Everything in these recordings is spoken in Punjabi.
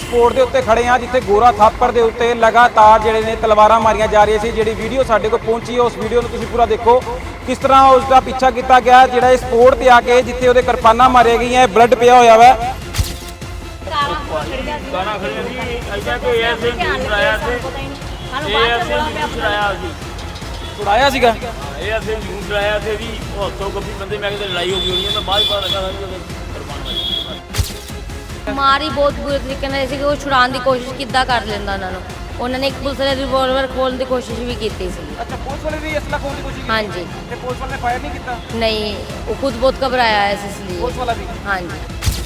ਸਪੋਰਟ ਦੇ ਉੱਤੇ ਖੜੇ ਹਾਂ ਜਿੱਥੇ ਗੋਰਾ ਥਾਪਰ ਦੇ ਉੱਤੇ ਲਗਾਤਾਰ ਜਿਹੜੇ ਨੇ ਤਲਵਾਰਾਂ ਮਾਰੀਆਂ ਜਾ ਰਹੀਆਂ ਸੀ। ਜਿਹੜੀ ਵੀਡੀਓ ਸਾਡੇ ਕੋਲ ਪਹੁੰਚੀ ਹੈ ਉਸ ਵੀਡੀਓ ਨੂੰ ਤੁਸੀਂ ਪੂਰਾ ਦੇਖੋ, ਕਿਸ ਤਰ੍ਹਾਂ ਉਸ ਦਾ ਪਿੱਛਾ ਕੀਤਾ ਗਿਆ। ਜਿਹੜਾ ਇਸ ਸਪੋਰਟ ਤੇ ਆ ਕੇ ਜਿੱਥੇ ਉਹਦੇ ਕਿਰਪਾਨਾਂ ਮਾਰੀਆਂ ਗਈਆਂ, ਬਲੱਡ ਪਿਆ ਹੋਇਆ ਵਾ। ਗਾਣਾ ਖੜਿਆ ਸੀ ਐਸਾ ਕੋਈ ਐਸੇ ਛੁਡਾਇਆ ਸੀ ਛੁਡਾਇਆ ਸੀਗਾ ਇਹ ਅਸੀਂ ਜੂਨ ਛੁਡਾਇਆ ਸੀ ਜੀ। ਉਹ ਹੱਥੋਂ ਗੱਭੀ ਬੰਦੇ ਮੈਂ ਕਿਤੇ ਲੜਾਈ ਹੋ ਗਈ ਹੋਣੀ ਹੈ ਤਾਂ ਬਾਅਦ ਪਤਾ ਲੱਗਾ ਸੀ ਉਹਦੇ ਕੁਰਬਾਨ ਹੋਏ। ਮਾਰੀ ਬਹੁਤ ਬੁਰੇ ਤਰੀਕੇ ਨਾਲ ਸੀ ਕਿ ਉਹ ਛੁਡਾਉਣ ਦੀ ਕੋਸ਼ਿਸ਼ ਕਿੱਦਾਂ ਕਰ ਲੈਂਦਾ ਉਹਨਾਂ ਨੇ ਇੱਕ ਪੁਲਿਸ ਵਾਲੇ ਰਿਵੋਲਵਰ ਖੋਲਣ ਦੀ ਕੋਸ਼ਿਸ਼ ਵੀ ਕੀਤੀ ਸੀ। ਅੱਛਾ, ਪੁਲਿਸ ਵਾਲੇ ਵੀ ਅਸਲਾ ਖੋਲਣ ਦੀ ਕੋਸ਼ਿਸ਼ ਕੀਤੀ? ਹਾਂਜੀ। ਤੇ ਪੁਲਿਸ ਵਾਲੇ ਨੇ ਫਾਇਰ ਨਹੀਂ ਕੀਤਾ? ਨਹੀਂ, ਉਹ ਖੁਦ ਬਹੁਤ ਘਬਰਾਇਆ ਹੈ ਇਸ ਲਈ। ਪੁਲਿਸ ਵਾਲਾ ਵੀ? ਹਾਂਜੀ।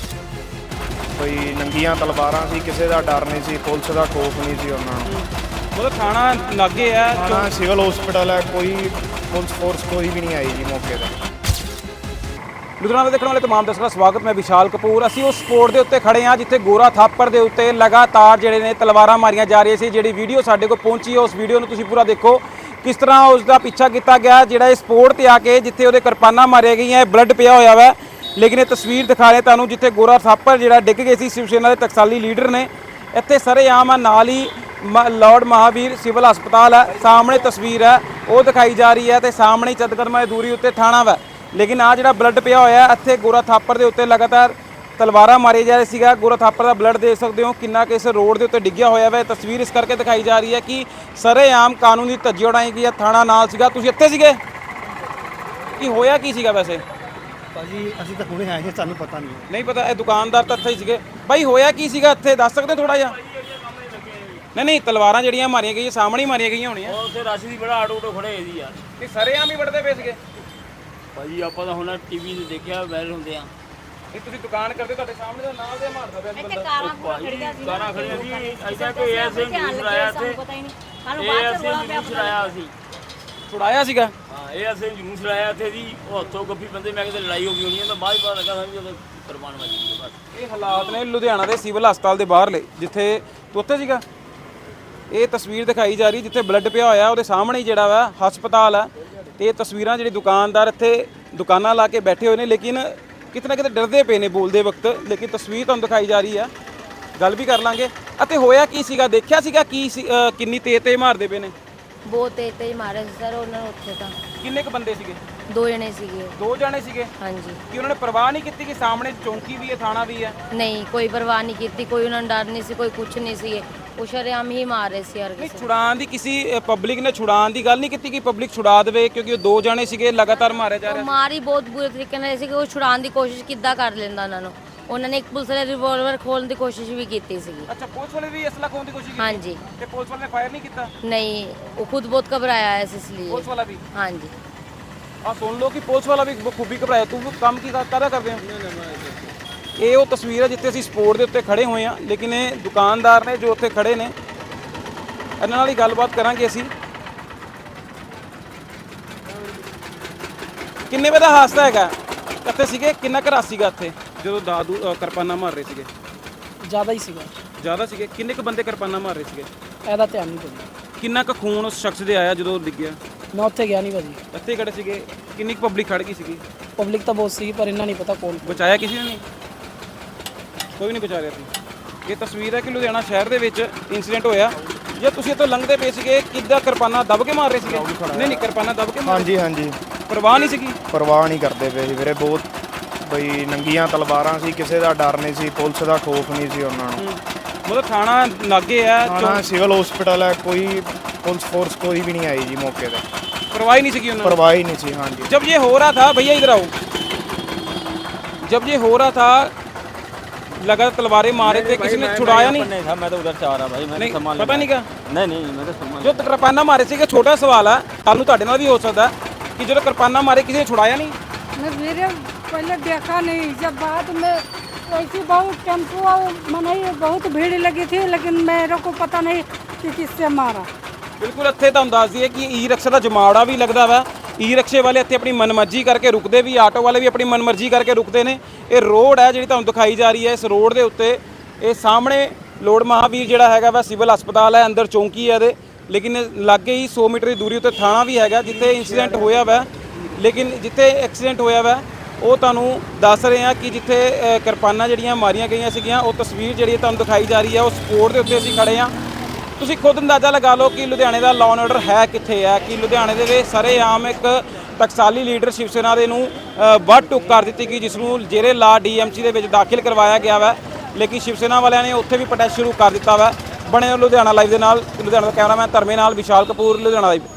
ਕੋਈ ਨੰਗੀਆਂ ਤਲਵਾਰਾਂ ਸੀ, ਕਿਸੇ ਦਾ ਡਰ ਨਹੀਂ ਸੀ, ਪੁਲਿਸ ਦਾ ਖੌਫ ਨਹੀਂ ਸੀ ਉਹਨਾਂ ਨੂੰ। ਮਤਲਬ ਥਾਣਾ ਲਾਗੇ ਆ, ਥਾਣਾ ਸਿਵਲ ਹਸਪੀਟਲ ਹੈ, ਕੋਈ ਪੁਲਿਸ ਫੋਰਸ ਕੋਈ ਵੀ ਨਹੀਂ ਆਈ ਜੀ ਮੌਕੇ ਤੇ। ਲੁਧਿਆਣਾ ਦੇਖਣ ਵਾਲੇ ਤਮਾਮ ਦਰਸ਼ਕਾਂ ਦਾ ਸਵਾਗਤ। ਮੈਂ ਵਿਸ਼ਾਲ ਕਪੂਰ। ਅਸੀਂ ਉਸ ਸਪੋਰਟ ਦੇ ਉੱਤੇ ਖੜੇ ਹਾਂ ਜਿੱਥੇ ਗੋਰਾ ਥਾਪਰ ਦੇ ਉੱਤੇ ਲਗਾਤਾਰ ਜਿਹੜੇ ਨੇ ਤਲਵਾਰਾਂ ਮਾਰੀਆਂ ਜਾ ਰਹੀਆਂ ਸੀ। ਜਿਹੜੀ ਵੀਡੀਓ ਸਾਡੇ ਕੋਲ ਪਹੁੰਚੀ ਹੈ ਉਸ ਵੀਡੀਓ ਨੂੰ ਤੁਸੀਂ ਪੂਰਾ ਦੇਖੋ, ਕਿਸ ਤਰ੍ਹਾਂ ਉਸ ਦਾ ਪਿੱਛਾ ਕੀਤਾ ਗਿਆ। ਜਿਹੜਾ ਇਸ ਸਪੋਰਟ ਤੇ ਆ ਕੇ ਜਿੱਥੇ ਉਹਦੇ ਕਿਰਪਾਨਾਂ ਮਾਰੀਆਂ ਗਈਆਂ, ਬਲੱਡ ਪਿਆ ਹੋਇਆ ਵਾ। ਲੇਕਿਨ ਇਹ ਤਸਵੀਰ ਦਿਖਾ ਰਹੇ ਤੁਹਾਨੂੰ ਜਿੱਥੇ ਗੋਰਾ ਥਾਪਰ ਜਿਹੜਾ ਡਿੱਗ ਗਏ ਸੀ। ਸ਼ਿਵ ਸੈਨਾ ਦੇ ਟਕਸਾਲੀ ਲੀਡਰ ਨੇ ਇੱਥੇ ਸਰੇਆਮ ਆ, ਨਾਲ ਹੀ ਲਾਰਡ ਮਹਾਵੀਰ ਸਿਵਲ ਹਸਪਤਾਲ ਹੈ, ਸਾਹਮਣੇ ਤਸਵੀਰ ਹੈ ਉਹ ਦਿਖਾਈ ਜਾ ਰਹੀ ਹੈ ਤੇ ਸਾਹਮਣੇ ਚੰਦ ਕਦਮਾਂ ਦੀ ਦੂਰੀ ਉੱਤੇ ਥਾਣਾ ਵਾ। ਲੇਕਿਨ ਆ ਜਿਹੜਾ ਬਲੱਡ ਪਿਆ ਹੋਇਆ ਇੱਥੇ ਗੋਰਾ ਥਾਪਰ ਦੇ ਉੱਤੇ ਲਗਾਤਾਰ ਤਲਵਾਰਾਂ ਮਾਰੀ ਜਾ ਰਹੀ ਸੀਗਾ। ਗੋਰਾ ਥਾਪਰ ਦਾ ਬਲੱਡ ਦੇਖ ਸਕਦੇ ਹੋ ਕਿੰਨਾ ਕਿ ਇਸ ਰੋਡ ਦੇ ਉੱਤੇ ਡਿੱਗਿਆ ਹੋਇਆ ਵਾ। ਤਸਵੀਰ ਇਸ ਕਰਕੇ ਦਿਖਾਈ ਜਾ ਰਹੀ ਹੈ ਕਿ ਸਰੇਆਮ ਕਾਨੂੰਨੀ ਧੱਜੀ ਉਡਾਈ ਗਈ ਹੈ। ਥਾਣਾ ਨਾਲ ਸੀਗਾ। ਤੁਸੀਂ ਇੱਥੇ ਸੀਗੇ? ਕੀ ਹੋਇਆ ਕੀ ਸੀਗਾ ਵੈਸੇ? ਭਾਜੀ ਅਸੀਂ ਤਾਂ ਹੁਣੇ ਆਏ ਹਾਂ, ਸਾਨੂੰ ਪਤਾ ਨਹੀਂ ਪਤਾ। ਇਹ ਦੁਕਾਨਦਾਰ ਤਾਂ ਇੱਥੇ ਹੀ ਸੀਗੇ। ਬਾਈ ਹੋਇਆ ਕੀ ਸੀਗਾ ਇੱਥੇ, ਦੱਸ ਸਕਦੇ ਥੋੜਾ ਜਿਹਾ? ਨਹੀਂ, ਤਲਵਾਰਾਂ ਜਿਹੜੀਆਂ ਮਾਰੀਆਂ ਗਈਆਂ ਸਾਹਮਣੇ ਹੀ ਮਾਰੀਆਂ ਗਈਆਂ ਹੋਣੀਆਂ। ਉਹ ਉੱਥੇ ਰਸ਼ ਦੀ ਬੜਾ ਆਟੋ ਖੜੇ ਹੋਏ ਸੀ ਯਾਰ। ਕਿ ਸਰੇਆਮ ਹੀ ਵੜਦੇ ਪਏ ਸੀਗੇ? ਭਾਜੀ ਆਪਾਂ ਤਾਂ ਹੁਣ ਟੀਵੀ ਤੇ ਦੇਖਿਆ ਵਾਇਰਲ ਹੁੰਦੇ ਆ। ਇਹ ਤੁਸੀਂ ਦੁਕਾਨ ਕਰਦੇ, ਤੁਹਾਡੇ ਸਾਹਮਣੇ ਦਾ ਨਾਲ ਦੇ ਮਾਰਦਾ ਪਿਆ ਸੀ ਬੰਦਾ। ਗਾਣਾ ਖੜਿਆ ਸੀ ਐਸਾ ਕੋਈ ਐਸੇ ਛੁਡਾਇਆ ਸੀ ਇਹ ਅਸੀਂ ਜੂਨ ਛੁਡਾਇਆ ਸੀ। ਛੁਡਾਇਆ ਸੀਗਾ? ਹਾਂ, ਇਹ ਅਸੀਂ ਜੂਨ ਛੁਡਾਇਆ ਇੱਥੇ ਜੀ। ਉਹ ਹੱਥੋਂ ਗੱਭੀ ਬੰਦੇ ਮੈਂ ਕਿਤੇ ਲੜਾਈ ਹੋ ਗਈ ਹੋਣੀ ਹੈ ਤਾਂ ਬਾਅਦ ਪਤਾ ਲੱਗਾ ਸੀ ਉਹਦੇ ਕੁਰਬਾਨ ਹੋਏ। ਬਸ ਇਹ ਹਾਲਾਤ ਨੇ ਲੁਧਿਆਣਾ ਦੇ ਸਿਵਲ ਹਸਪਤਾਲ ਦੇ ਬਾਹਰਲੇ, ਜਿੱਥੇ ਤੂੰ ਉੱਥੇ ਸੀਗਾ। ਇਹ ਤਸਵੀਰ ਦਿਖਾਈ ਜਾ ਰਹੀ ਜਿੱਥੇ ਬਲੱਡ ਪਿਆ ਹੋਇਆ, ਉਹਦੇ ਸਾਹਮਣੇ ਹੀ ਜਿਹੜਾ ਵਾ ਹਸਪਤਾਲ ਹੈ। ਤੇ ਇਹ ਤਸਵੀਰਾਂ ਜਿਹੜੀ ਦੁਕਾਨਦਾਰ ਇੱਥੇ ਦੁਕਾਨਾਂ ਲਾ ਕੇ ਬੈਠੇ ਹੋਏ ਨੇ, ਲੇਕਿਨ ਕਿਤੇ ਨਾ ਕਿਤੇ ਡਰਦੇ ਪਏ ਨੇ ਬੋਲਦੇ ਵਕਤ। ਲੇਕਿਨ ਤਸਵੀਰ ਤੁਹਾਨੂੰ ਦਿਖਾਈ ਜਾ ਰਹੀ ਆ, ਗੱਲ ਵੀ ਕਰ ਲਾਂਗੇ। ਅਤੇ ਹੋਇਆ ਕੀ ਸੀਗਾ, ਦੇਖਿਆ ਸੀਗਾ ਕੀ ਕਿੰਨੀ ਤੇਜ਼ ਮਾਰਦੇ ਪਏ ਨੇ? ਬਹੁਤ ਤੇਜ਼ ਮਾਰੇ ਸੀ ਸਰ ਉਹਨਾਂ ਨੂੰ ਉੱਥੇ ਤਾਂ। ਕਿੰਨੇ ਕ ਬੰਦੇ ਸੀਗੇ? 2 ਜਣੇ ਸੀਗੇ। 2 ਜਣੇ ਸੀਗੇ? ਹਾਂਜੀ। ਕਿ ਉਹਨਾਂ ਨੇ ਪਰਵਾਹ ਨਹੀਂ ਕੀਤੀ ਕਿ ਸਾਹਮਣੇ ਚੌਂਕੀ ਵੀ ਹੈ, ਥਾਣਾ ਵੀ ਹੈ? ਨਹੀਂ, ਕੋਈ ਪਰਵਾਹ ਨਹੀਂ ਕੀਤੀ, ਕੋਈ ਉਹਨਾਂ ਨੂੰ ਡਰ ਨਹੀਂ ਸੀ, ਕੋਈ ਕੁਝ ਨਹੀਂ ਸੀ। ਉਹ ਸ਼ਰੇਆਮ ਹੀ ਮਾਰ ਰਹੇ ਸੀ ਹਰ ਨਹੀਂ, ਕਿਸੇ। ਛੁਡਾਉਣ ਦੀ ਕਿਸੇ ਪਬਲਿਕ ਨੇ ਛੁਡਾਉਣ ਦੀ ਗੱਲ ਨਹੀਂ ਕੀਤੀ ਕਿ ਪਬਲਿਕ ਛੁਡਾ ਦੇਵੇ, ਕਿਉਂਕਿ ਉਹ 2 ਜਣੇ ਸੀਗੇ, ਲਗਾਤਾਰ ਮਾਰਿਆ ਜਾ ਰਿਹਾ। ਮਾਰੀ ਬਹੁਤ ਬੁਰੇ ਤਰੀਕੇ ਨਾਲ ਸੀ ਕਿ ਉਹ ਛੁਡਾਉਣ ਦੀ ਕੋਸ਼ਿਸ਼ ਕਿੱਦਾਂ ਕਰ ਲੈਂਦਾ ਉਹਨਾਂ ਨੇ ਇੱਕ ਪੁਲਿਸ ਵਾਲੇ ਰਿਵੋਲਵਰ ਖੋਲਣ ਦੀ ਕੋਸ਼ਿਸ਼ ਵੀ ਕੀਤੀ ਸੀ। ਅੱਛਾ, ਪੁਲਿਸ ਵਾਲੇ ਵੀ ਅਸਲਾ ਖੋਲਣ ਦੀ ਕੋਸ਼ਿਸ਼ ਕੀਤੀ? ਹਾਂਜੀ। ਤੇ ਪੁਲਿਸ ਵਾਲੇ ਨੇ ਫਾਇਰ ਨਹੀਂ ਕੀਤਾ? ਨਹੀਂ, ਉਹ ਖੁਦ ਬਹੁਤ ਘਬਰਾਇਆ ਹੈ ਇਸ ਲਈ। ਪੁਲਿਸ ਵਾਲਾ ਵੀ? ਹਾਂਜੀ। ਆ ਸੁਣ ਲਓ ਕਿ ਪੁਲਿਸ ਵਾਲਾ ਵੀ ਖੂਬੀ ਘਬਰਾਇਆ। ਤੂੰ ਕੰਮ ਕੀ ਕਰਦਾ ਕਰਦੇ ਹੋ? ਇਹ ਉਹ ਤਸਵੀਰ ਹੈ ਜਿੱਥੇ ਅਸੀਂ ਸਪੋਰਟ ਦੇ ਉੱਤੇ ਖੜੇ ਹੋਏ ਹਾਂ। ਲੇਕਿਨ ਇਹ ਦੁਕਾਨਦਾਰ ਨੇ ਜੋ ਉੱਥੇ ਖੜੇ ਨੇ, ਇਹਨਾਂ ਨਾਲ ਹੀ ਗੱਲਬਾਤ ਕਰਾਂਗੇ ਅਸੀਂ। ਕਿੰਨੇ ਵਜੇ ਦਾ ਹਾਦਸਾ ਹੈਗਾ? ਕਿੱਥੇ ਸੀਗੇ? ਕਿੰਨਾ ਘਰ ਸੀਗਾ ਇੱਥੇ ਜਦੋਂ ਦਾਦੂ ਕਿਰਪਾਨਾਂ ਮਾਰ ਰਹੇ ਸੀਗੇ? ਜ਼ਿਆਦਾ ਹੀ ਸੀਗਾ। ਜ਼ਿਆਦਾ ਸੀਗੇ? ਕਿੰਨੇ ਕੁ ਬੰਦੇ ਕਿਰਪਾਨਾਂ ਮਾਰ ਰਹੇ ਸੀਗੇ? ਇਹਦਾ ਧਿਆਨ ਨਹੀਂ ਦਿੰਦਾ। ਕਿੰਨਾ ਕੁ ਖੂਨ ਉਸ ਸ਼ਖਸ ਦੇ ਆਇਆ ਜਦੋਂ ਡਿੱਗਿਆ? ਮੈਂ ਉੱਥੇ ਗਿਆ ਨਹੀਂ ਭਾਜੀ। ਇੱਥੇ ਖੜੇ ਸੀਗੇ? ਕਿੰਨੀ ਕੁ ਪਬਲਿਕ ਖੜ ਗਈ ਸੀਗੀ? ਪਬਲਿਕ ਤਾਂ ਬਹੁਤ ਸੀ ਪਰ ਇਹਨਾਂ ਨਹੀਂ ਪਤਾ ਕੌਣ। ਬਚਾਇਆ ਕਿਸੇ ਨੇ ਨਹੀਂ? ਕੋਈ ਨਹੀਂ ਬਚਾ ਰਿਹਾ ਸੀ। ਇਹ ਤਸਵੀਰ ਹੈ ਕਿ ਲੁਧਿਆਣਾ ਸ਼ਹਿਰ ਦੇ ਵਿੱਚ ਇੰਸੀਡੈਂਟ ਹੋਇਆ। ਜੇ ਤੁਸੀਂ ਇੱਥੋਂ ਲੰਘਦੇ ਪਏ ਸੀਗੇ, ਕਿੱਦਾਂ ਕਿਰਪਾਨਾਂ ਦਬ ਕੇ ਮਾਰ ਰਹੇ ਸੀਗੇ? ਨਹੀਂ, ਕਿਰਪਾਨਾਂ ਦਬ ਕੇ ਮਾਰ? ਹਾਂਜੀ ਹਾਂਜੀ, ਪਰਵਾਹ ਨਹੀਂ ਸੀਗੀ? ਪਰਵਾਹ ਨਹੀਂ ਕਰਦੇ ਪਏ ਸੀ ਵੀਰੇ। ਬਹੁਤ ਬਈ ਨੰਗੀਆਂ ਤਲਵਾਰਾਂ ਸੀ, ਕਿਸੇ ਦਾ ਡਰ ਨਹੀਂ ਸੀ, ਪੁਲਿਸ ਦਾ ਖੌਫ ਨਹੀਂ ਸੀ ਉਹਨਾਂ ਨੂੰ। ਮਤਲਬ ਥਾਣਾ ਲਾਗੇ ਆ, ਥਾਣਾ ਸਿਵਲ ਹਸਪੀਟਲ ਹੈ, ਕੋਈ ਪੁਲਿਸ ਫੋਰਸ ਕੋਈ ਵੀ ਨਹੀਂ ਆਈ ਜੀ ਮੌਕੇ ਤੇ। परवाह ही नहीं थी उन्होंने? परवाह ही नहीं थी। हाँ जी। जब ये हो रहा था, भैया इधर आओ, जब ये हो रहा था लगा तलवारें मारे थे, किसी ने छुड़ाया नहीं था? मैं तो उधर से आ रहा भाई, मैंने सामान पता नहीं क्या? नहीं मैं तो सामान जो किरपाना मारे थे, छोटा सवाल है, कल ਤੁਹਾਡੇ ਨਾਲ भी हो सकता है कि जो किरपाना मारे किसी ने छुड़ाया नहीं? मैं मेरे पहले देखा नहीं, जब बाद में ऐसी बहुत टेम्पो मनाई बहुत भीड़ लगी थी, लेकिन मेरे को पता नहीं कि किससे मारा। बिल्कुल ਇੱਥੇ ਤੁਹਾਨੂੰ ਦੱਸ ਦਈਏ ਕਿ ਈ ਰਿਕਸ਼ਾ ਦਾ ਜਮਾਵੜਾ ਵੀ ਲੱਗਦਾ ਵਾ। ਈ ਰਿਕਸ਼ੇ ਵਾਲੇ ਇੱਥੇ ਆਪਣੀ ਮਨਮਰਜ਼ੀ ਕਰਕੇ ਰੁਕਦੇ ਵੀ, ਆਟੋ ਵਾਲੇ ਵੀ ਆਪਣੀ ਮਨਮਰਜ਼ੀ ਕਰਕੇ ਰੁਕਦੇ ਨੇ। ਇਹ ਰੋਡ ਹੈ ਜਿਹੜੀ ਤੁਹਾਨੂੰ ਦਿਖਾਈ ਜਾ ਰਹੀ ਹੈ, ਇਸ ਰੋਡ ਦੇ ਉੱਤੇ ਇਹ ਸਾਹਮਣੇ ਲੋੜ ਮਹਾਵੀਰ ਜਿਹੜਾ ਹੈਗਾ ਵਾ ਸਿਵਲ ਹਸਪਤਾਲ ਹੈ, ਅੰਦਰ ਚੌਂਕੀ ਹੈ ਇਹਦੇ, ਲੇਕਿਨ ਲਾਗੇ ਹੀ 100 ਮੀਟਰ ਦੀ ਦੂਰੀ ਉੱਤੇ ਥਾਣਾ ਵੀ ਹੈਗਾ ਜਿੱਥੇ ਇੰਸੀਡੈਂਟ ਹੋਇਆ ਵਾ। ਲੇਕਿਨ ਜਿੱਥੇ ਐਕਸੀਡੈਂਟ ਹੋਇਆ ਵਾ ਉਹ ਤੁਹਾਨੂੰ ਦੱਸ ਰਹੇ ਹਾਂ ਕਿ ਜਿੱਥੇ ਕਿਰਪਾਨਾਂ ਜਿਹੜੀਆਂ ਮਾਰੀਆਂ ਗਈਆਂ ਸੀਗੀਆਂ, ਉਹ ਤਸਵੀਰ ਜਿਹੜੀ ਤੁਹਾਨੂੰ ਦਿਖਾਈ ਜਾ ਰਹੀ ਹੈ, ਉਸ ਸਪੋਰਟ ਦੇ ਉੱਤੇ ਅਸੀਂ ਖੜੇ ਹਾਂ। ਤੁਸੀਂ ਖੁਦ ਅੰਦਾਜ਼ਾ ਲਗਾ ਲਓ ਕਿ ਲੁਧਿਆਣੇ ਦਾ ਲਾਅ ਐਂਡ ਆਰਡਰ ਹੈ ਕਿੱਥੇ ਹੈ, ਕਿ ਲੁਧਿਆਣੇ ਦੇ ਵਿੱਚ ਸਰੇਆਮ ਇੱਕ ਟਕਸਾਲੀ ਲੀਡਰ ਸ਼ਿਵ ਸੈਨਾ ਦੇ ਨੂੰ ਵੱਢ ਟੁੱਕ ਕਰ ਦਿੱਤੀ ਗਈ, ਜਿਸ ਨੂੰ ਜੇਰੇ ਲਾ DMC ਦੇ ਵਿੱਚ ਦਾਖਲ ਕਰਵਾਇਆ ਗਿਆ ਵਾ। ਲੇਕਿਨ ਸ਼ਿਵ ਸੈਨਾ ਵਾਲਿਆਂ ਨੇ ਉੱਥੇ ਵੀ ਪ੍ਰੋਟੈਸਟ ਸ਼ੁਰੂ ਕਰ ਦਿੱਤਾ ਵਾ। ਬਣੇ ਲੁਧਿਆਣਾ ਲਾਈਵ ਦੇ ਨਾਲ। ਲੁਧਿਆਣਾ ਦਾ ਕੈਮਰਾਮੈਨ ਧਰਮੇ ਨਾਲ ਵਿਸ਼ਾਲ ਕਪੂਰ, ਲੁਧਿਆਣਾ ਲਾਈਵ।